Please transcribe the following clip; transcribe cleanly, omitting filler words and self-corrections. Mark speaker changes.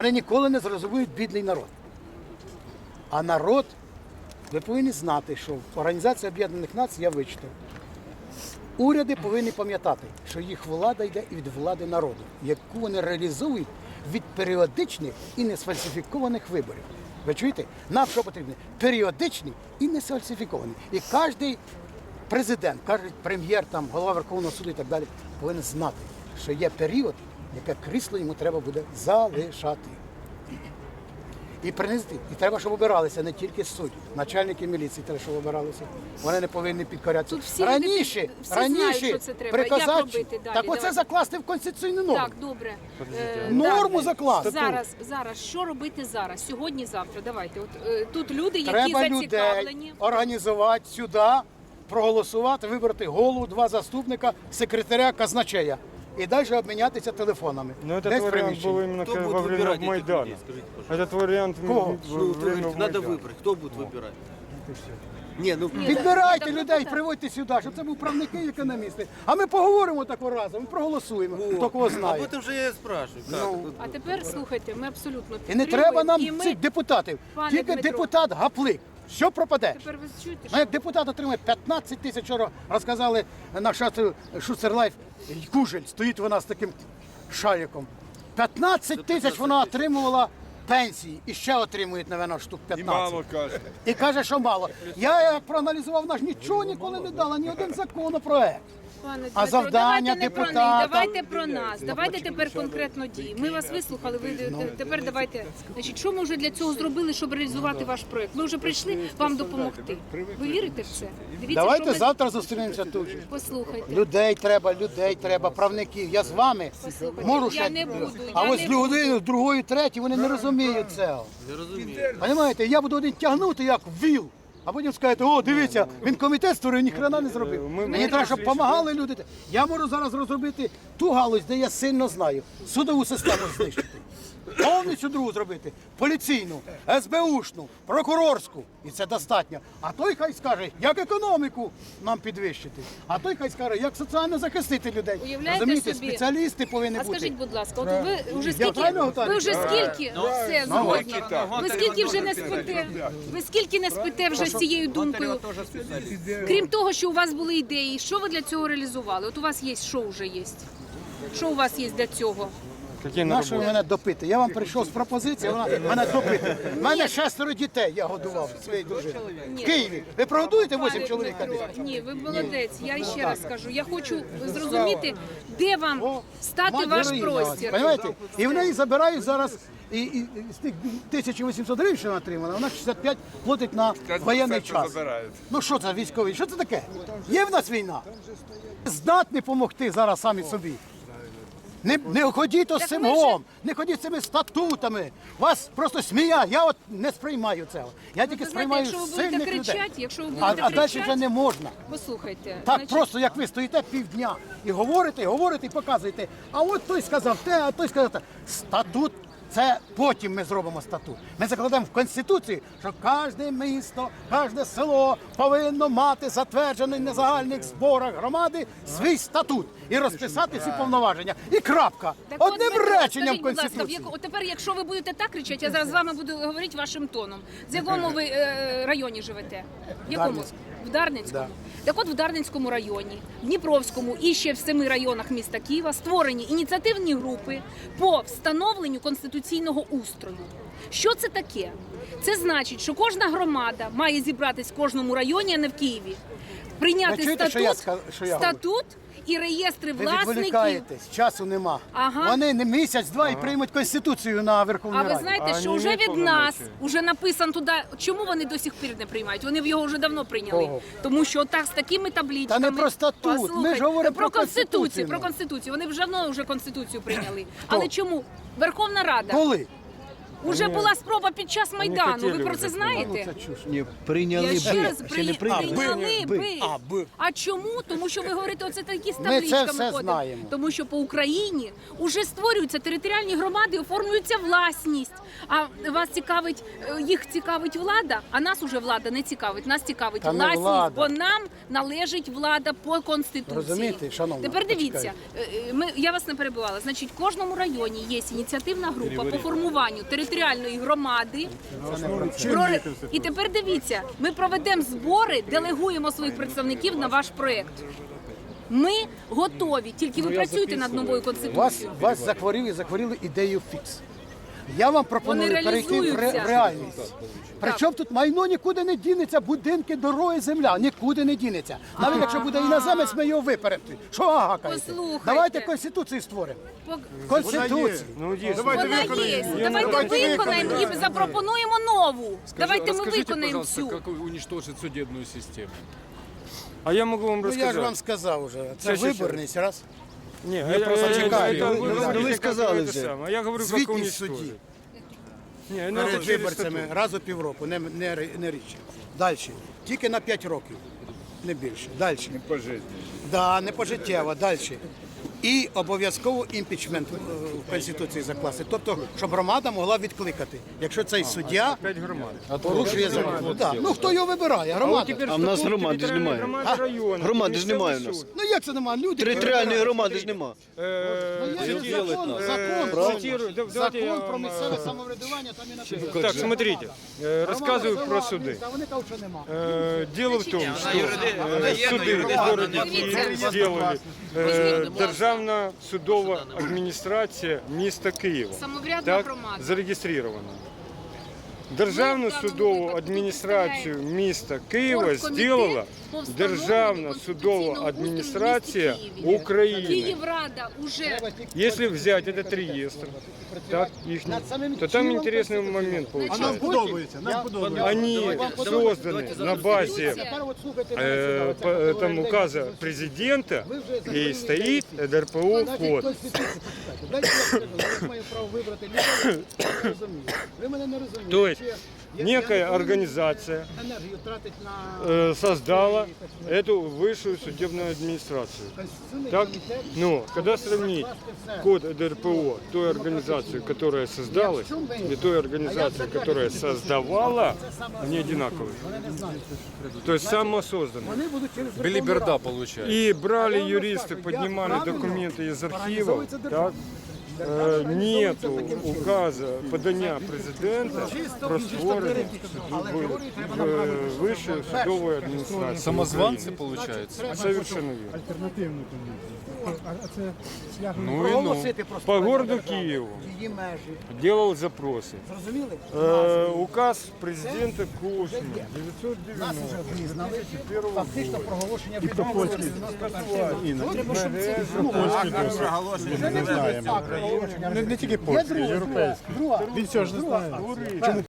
Speaker 1: вони ніколи не зрозуміють бідний народ. А народ, ви повинні знати, що в Організації Об'єднаних Націй я вичитав. Уряди повинні пам'ятати, що їх влада йде від влади народу, яку вони реалізують від періодичних і несфальсифікованих виборів. Ви чуєте? Нам що потрібно? Періодичні і несфальсифіковані. І кожен президент, кожен прем'єр, там, голова Верховного суду і так далі повинен знати, що є період, яке крісло йому треба буде залишати. І принести. І треба, щоб обиралися не тільки судді, начальники міліції треба, щоб обиралися. Вони не повинні підкорятися.
Speaker 2: Тут всі
Speaker 1: раніше
Speaker 2: знають, що це треба. Як
Speaker 1: приказати,
Speaker 2: робити далі?
Speaker 1: так оце
Speaker 2: Давайте.
Speaker 1: закласти в конституційну норму.
Speaker 2: Так, добре.
Speaker 1: Норму закласти.
Speaker 2: Зараз, що робити зараз? Сьогодні, завтра, давайте. От тут люди, які
Speaker 1: Треба
Speaker 2: зацікавлені.
Speaker 1: людей організувати сюди, проголосувати, вибрати голову, 2 заступника, секретаря, казначея. І далі обмінятися телефонами.
Speaker 3: Но этот
Speaker 1: Десь в
Speaker 3: вариант
Speaker 1: приміщенні.
Speaker 3: был именно
Speaker 4: Кто будет
Speaker 3: во время
Speaker 4: выбирать этих
Speaker 3: Майдана.
Speaker 4: людей, скажите, пожалуйста?
Speaker 3: Этот вариант
Speaker 1: Кого?
Speaker 3: во
Speaker 4: Ну,
Speaker 3: время
Speaker 4: говорите, надо
Speaker 3: Майдана.
Speaker 4: выбрать. Кто будет выбирать? Не, ну
Speaker 1: Підбирайте
Speaker 2: так,
Speaker 1: людей,
Speaker 2: так.
Speaker 1: приводьте сюди, щоб це був правники і економісти. А ми поговоримо такого разу, ми проголосуємо, хто кого
Speaker 4: об
Speaker 1: знає.
Speaker 4: этом же я и спрашиваю. Как?
Speaker 2: А тепер слухайте, ми абсолютно
Speaker 1: І не
Speaker 2: підтримуємо.
Speaker 1: треба нам
Speaker 2: І ми-
Speaker 1: цих депутатів.
Speaker 2: Пане
Speaker 1: Тільки
Speaker 2: Дмитро.
Speaker 1: депутат гаплик. Що пропаде?
Speaker 2: Тепер ви чуєте,
Speaker 1: Ну,
Speaker 2: що
Speaker 1: як депутат отримує 15 тисяч, вчора розказали на Шуцер Лайф, Кужель, стоїть вона з таким шариком. 15 тисяч вона отримувала пенсії і ще отримує, мабуть, штук 15.
Speaker 3: каже.
Speaker 1: І каже, що мало. Я як проаналізував, наш нічого ніколи не дала, ні один законопроект.
Speaker 2: Пане
Speaker 1: А
Speaker 2: Дмитро,
Speaker 1: завдання
Speaker 2: давайте не про них,
Speaker 1: депутата?
Speaker 2: давайте про нас, давайте тепер конкретно дії. Ми вас вислухали, ви тепер давайте. Значить, що ми вже для цього зробили, щоб реалізувати ваш проект? Ми вже прийшли вам допомогти. Ви вірите в це? Дивіться,
Speaker 1: Давайте
Speaker 2: що ми...
Speaker 1: завтра зустрінемося тут. же.
Speaker 2: Послухайте.
Speaker 1: Людей треба, правників. Я з вами
Speaker 2: Послухайте,
Speaker 1: можу
Speaker 2: я
Speaker 1: ще.
Speaker 2: не буду,
Speaker 1: А
Speaker 2: я
Speaker 1: ось
Speaker 2: не
Speaker 1: людини, другої, третій, вони не розуміють цього.
Speaker 4: Не разумею.
Speaker 1: Понимаєте, я буду один тягнути як віл, а потім скажете, о, дивіться, він комітет створив, ні хрена не зробив. Мені треба, щоб допомагали люди. Я можу зараз розробити ту галузь, де я сильно знаю, судову систему знищити. Повністю другу зробити, поліційну, СБУшну, прокурорську. І це достатньо. А той хай скаже, як економіку нам підвищити. А той хай скаже, як соціально захистити людей.
Speaker 2: Уявляєте
Speaker 1: Розумієте,
Speaker 2: собі?
Speaker 1: спеціалісти повинні
Speaker 2: А
Speaker 1: бути.
Speaker 2: скажіть, будь ласка, от ви вже
Speaker 1: Я
Speaker 2: скільки,
Speaker 1: правильно готовий?
Speaker 2: ви вже скільки, все, згодна. Ви скільки вже не спите, ви скільки не спите вже з цією думкою? Крім того, що у вас були ідеї, що ви для цього реалізували? От у вас є, що вже є? Що у вас є для цього?
Speaker 3: Какие
Speaker 1: Нащо ви
Speaker 3: наработки?
Speaker 1: мене допити? Я вам прийшов з пропозицією, вона мене допити. У мене 6 дітей, я годував своєї дружини. В Києві. Ви прогодуєте 8
Speaker 2: Пане
Speaker 1: чоловік?
Speaker 2: Дмитро, ні, ви молодець. Я ще раз скажу. Я хочу зрозуміти, де вам стати ваш простір.
Speaker 1: Понимаєте? І в неї забирають зараз, і з тих 1800 гривень, що вона отримала, вона 65 платить на воєнний час. Ну що це військовий? Що це таке? Є в нас війна? Здатні допомогти зараз самі собі. Не ходіть з цим
Speaker 2: ми
Speaker 1: гом, не ходіть з цими статутами. Вас просто сміять. Я от не сприймаю цього. Я тільки
Speaker 2: Ви знаєте,
Speaker 1: сприймаю
Speaker 2: якщо ви будете
Speaker 1: сильних людей.
Speaker 2: кричати, якщо ви
Speaker 1: А
Speaker 2: будете
Speaker 1: далі
Speaker 2: кричати,
Speaker 1: вже не можна.
Speaker 2: послухайте.
Speaker 1: Так
Speaker 2: значить,
Speaker 1: просто, як ви стоїте півдня і говорите, і показуєте. А от той сказав те, а той сказав те. Статут. Це потім ми зробимо статут. Ми закладемо в Конституції, що кожне місто, кожне село повинно мати затверджений на загальних зборах громади свій статут і розписати всі повноваження. І крапка.
Speaker 2: Так от,
Speaker 1: Одним
Speaker 2: Дмитро,
Speaker 1: реченням
Speaker 2: скажіть,
Speaker 1: в
Speaker 2: будь ласка,
Speaker 1: Конституції.
Speaker 2: от тепер, якщо ви будете так кричати, я зараз з вами буду говорити вашим тоном. З якому ви районі живете? В якому?
Speaker 1: Дарницькому.
Speaker 2: В Дарницькому?
Speaker 1: Да.
Speaker 2: Так от в Дарницькому районі, в Дніпровському і ще в 7 районах міста Києва створені ініціативні групи по встановленню конституційного устрою. Що це таке? Це значить, що кожна громада має зібратись в кожному районі, а не в Києві. Прийняти
Speaker 1: Ви чуєте, що я говорю?
Speaker 2: статут і реєстри
Speaker 1: Ви
Speaker 2: власників.
Speaker 1: відволікаєтесь, часу нема.
Speaker 2: Ага.
Speaker 1: Вони не місяць-два і приймуть Конституцію на Верховній
Speaker 2: А ви
Speaker 1: Раді.
Speaker 2: знаєте,
Speaker 3: А
Speaker 2: що
Speaker 3: вони
Speaker 2: вже
Speaker 3: мають
Speaker 2: від нас
Speaker 3: повномочі?
Speaker 2: вже написано туди, чому вони до сих пір не приймають? Вони його вже давно прийняли.
Speaker 1: Кого?
Speaker 2: Тому що так з такими табличками.
Speaker 1: Та не про статут, ми ж
Speaker 2: Послухайте,
Speaker 1: говоримо про
Speaker 2: Конституцію.
Speaker 1: Конституцію.
Speaker 2: Про Конституцію. Вони вже давно вже Конституцію прийняли. Але чому? Верховна Рада.
Speaker 1: Коли?
Speaker 2: Уже була спроба під час Майдану. Ви
Speaker 4: хотіли
Speaker 2: про
Speaker 4: вже
Speaker 2: це знаєте?
Speaker 3: Ні, прийняли
Speaker 2: Я ще раз
Speaker 3: ще не
Speaker 2: прийняли би.
Speaker 1: би.
Speaker 2: А чому? Тому що ви говорите, оце такі з
Speaker 1: Ми це
Speaker 2: табличками
Speaker 1: все
Speaker 2: ходимо.
Speaker 1: знаємо.
Speaker 2: Тому що по Україні вже створюються територіальні громади, оформлюється власність. А вас цікавить, їх цікавить влада, а нас уже влада не цікавить. Нас цікавить
Speaker 1: Та не
Speaker 2: власність,
Speaker 1: влада.
Speaker 2: бо нам належить влада по Конституції.
Speaker 1: Розумієте, шановна,
Speaker 2: Тепер дивіться,
Speaker 1: почекайте.
Speaker 2: я вас не перебивала. Значить, в кожному районі є ініціативна група по формуванню територіальної громади. І тепер дивіться, ми проведемо збори, делегуємо своїх представників на ваш проєкт. Ми готові, тільки ви працюєте над новою конституцією.
Speaker 1: Вас захворіли ідею фікс. Я вам пропоную
Speaker 2: Вони
Speaker 1: перейти в
Speaker 2: реалізуються.
Speaker 1: реальність. Причому тут майно нікуди не дінеться, будинки, дороги, земля, нікуди не дінеться. Навіть якщо буде іноземець, ми його виперемо. Що гакаєте?
Speaker 2: Послухайте.
Speaker 1: Давайте Конституцію створимо. Конституцію.
Speaker 4: Ну, есть.
Speaker 2: Вона є. Давайте виконаємо і запропонуємо нову. Давайте ми
Speaker 5: Расскажите,
Speaker 2: виконаємо
Speaker 5: пожалуйста,
Speaker 2: цю.
Speaker 5: как уничтожить судебную систему?
Speaker 4: А я могу вам
Speaker 1: Ну
Speaker 4: рассказать.
Speaker 1: я ж вам сказав уже. Це
Speaker 4: Щас.
Speaker 1: виборність, раз.
Speaker 4: Не,
Speaker 1: просто чекаєте.
Speaker 4: вы
Speaker 1: Ну,
Speaker 4: говорите,
Speaker 3: ви
Speaker 4: как
Speaker 3: сказали
Speaker 4: это
Speaker 3: вже.
Speaker 4: самое. А я говорю, как
Speaker 1: Звітність
Speaker 4: уничтожить.
Speaker 1: судді.
Speaker 4: Не, ну,
Speaker 1: Перед
Speaker 4: это через
Speaker 1: виборцями
Speaker 4: статут.
Speaker 1: раз у півроку, не рідше. Далі. Тільки на 5 років, не більше. Далі. Не пожиттєво. Да, не пожиттєво. Далі. І обов'язково імпічмент в Конституції закласти. Тобто, щоб громада могла відкликати, якщо цей суддя
Speaker 4: 5 громад.
Speaker 1: порушує закон. Да. Ну хто його вибирає? Громада.
Speaker 3: А в нас громади ж немає.
Speaker 4: Громади району.
Speaker 3: Громади ж немає у нас.
Speaker 1: Ну як це немає? Люди
Speaker 3: Територіальної
Speaker 1: вибирають.
Speaker 3: громади ж нема.
Speaker 1: Ну, є ж закон,
Speaker 4: цитирую, давайте я
Speaker 1: закон про
Speaker 4: вам,
Speaker 1: місцеве самоврядування, там і написано.
Speaker 4: Так, смотрите, рассказываю про суды.
Speaker 1: А вони кажуть, що нема.
Speaker 4: Дело в том, что суды в городе Киев сделали Державна судова адміністрація міста Києва.
Speaker 2: Самоврядна
Speaker 4: Так,
Speaker 2: громада.
Speaker 4: зареєстрована. Державну судову адміністрацію міста Києва
Speaker 2: Оргкомітет
Speaker 4: зробила
Speaker 2: по встановленню
Speaker 4: Державна судова
Speaker 2: конституційного
Speaker 4: адміністрація
Speaker 2: устрою в місті Києві.
Speaker 4: України.
Speaker 2: Київрада уже
Speaker 4: Если взять этот реестр, так, ихний, то там интересный момент получается.
Speaker 1: подобається, нам подобається.
Speaker 4: Они созданы на базе
Speaker 1: Тепер от слухайте мене сюди.
Speaker 4: там указа президента и стоит ДРПО
Speaker 1: Значить,
Speaker 4: код.
Speaker 1: Конституцію почитайте. Дайте я скажу, я маю право вибрати людей, я розумію. Ви мене не розумієте.
Speaker 4: То есть
Speaker 1: Я
Speaker 4: некая
Speaker 1: не повинен
Speaker 4: организация
Speaker 1: енергію тратить на
Speaker 4: создала эту высшую судебную администрацию.
Speaker 1: Конституційний
Speaker 4: Так,
Speaker 1: комітет.
Speaker 4: ну, когда сравнить код ДРПО той организации, которая создалась, и той организации, которая создавала, они одинаковые.
Speaker 1: Вони не знають.
Speaker 4: То есть самосозданные.
Speaker 1: Вони будуть через
Speaker 5: Белиберда получается.
Speaker 4: И брали юристы, поднимали документы из архивов, так, нету указа подання президента про створення Вищої судової адміністрації.
Speaker 5: Самозванцы получается.
Speaker 4: Совершенно верно.
Speaker 5: Ну и ну.
Speaker 1: проголосити просто
Speaker 4: По городу Киеву
Speaker 1: її межі.
Speaker 4: делал запросы.
Speaker 1: Зрозуміли?
Speaker 4: Указ президента Космина
Speaker 1: Нас
Speaker 4: 990.
Speaker 1: вже визнали. Фактично проголошення відомості. Треба, щоб це
Speaker 6: Не тільки польський, європейський.
Speaker 1: друга.
Speaker 6: Він цього ж не знає.